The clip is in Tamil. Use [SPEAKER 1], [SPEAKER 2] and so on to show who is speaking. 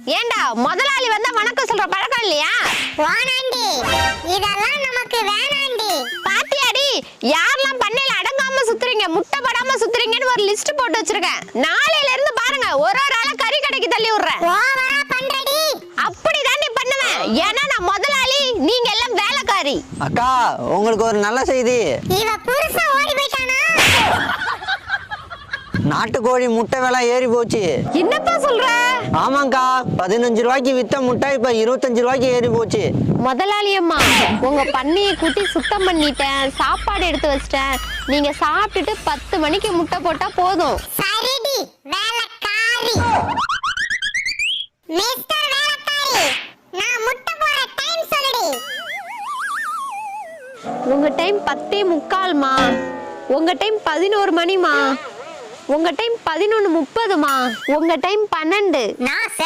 [SPEAKER 1] ஏண்டா முதலாளி வந்தா வணக்கம் சொல்ற பழக்கம் இல்லையா?
[SPEAKER 2] வானாண்டி, இதெல்லாம் நமக்கு வேணாண்டி.
[SPEAKER 1] பாத்தியாடி, யாரெல்லாம் பண்ணையில அடங்காம சுத்துறீங்க, முட்டை படாம சுத்துறீங்கன்னு ஒரு லிஸ்ட் போட்டு வச்சிருக்கேன். நாளையில இருந்து பாருங்க, ஒரு ஆளா கறி கடைக்கு தள்ளி விடுறேன்.
[SPEAKER 2] ஓவரா பண்றடி.
[SPEAKER 1] அப்படிதாண்டி பண்ணுவேன். ஏன்னா நான் முதலாளி, நீங்க எல்லாம் வேலைக்காரி.
[SPEAKER 3] அக்கா, உங்களுக்கு ஒரு நல்ல செய்தி.
[SPEAKER 2] இவ புருஷன் ஓடி போயிட்டானா?
[SPEAKER 3] நாட்டுக்கோழி முட்டை விலை ஏறி போச்சு.
[SPEAKER 1] என்னப்பா சொல்ற?
[SPEAKER 3] ஆமாங்கா, 15 ரூபாய்க்கு வித்த முட்டை இப்ப 25 ரூபாய்க்கு ஏறி போச்சு.
[SPEAKER 1] முதலாளி அம்மா, உங்க பண்ணையை கூட்டி சுத்தம் பண்ணிட்டேன், சாப்பாடு எடுத்து வச்சிட்டேன். நீங்க சாப்பிட்டுட்டு 10 மணிக்கு முட்டை போட்டா போதும்.
[SPEAKER 2] சரிடி, வேலைக்காரி. மிஸ்டர் வேலைக்காரி, நான் முட்டை போற டைம் சொல்லுடி.
[SPEAKER 1] உங்க டைம் 10:45மா, உங்க டைம் 11 மணிமா, உங்க டைம் 11:30மா, உங்க டைம் 12.
[SPEAKER 2] நான்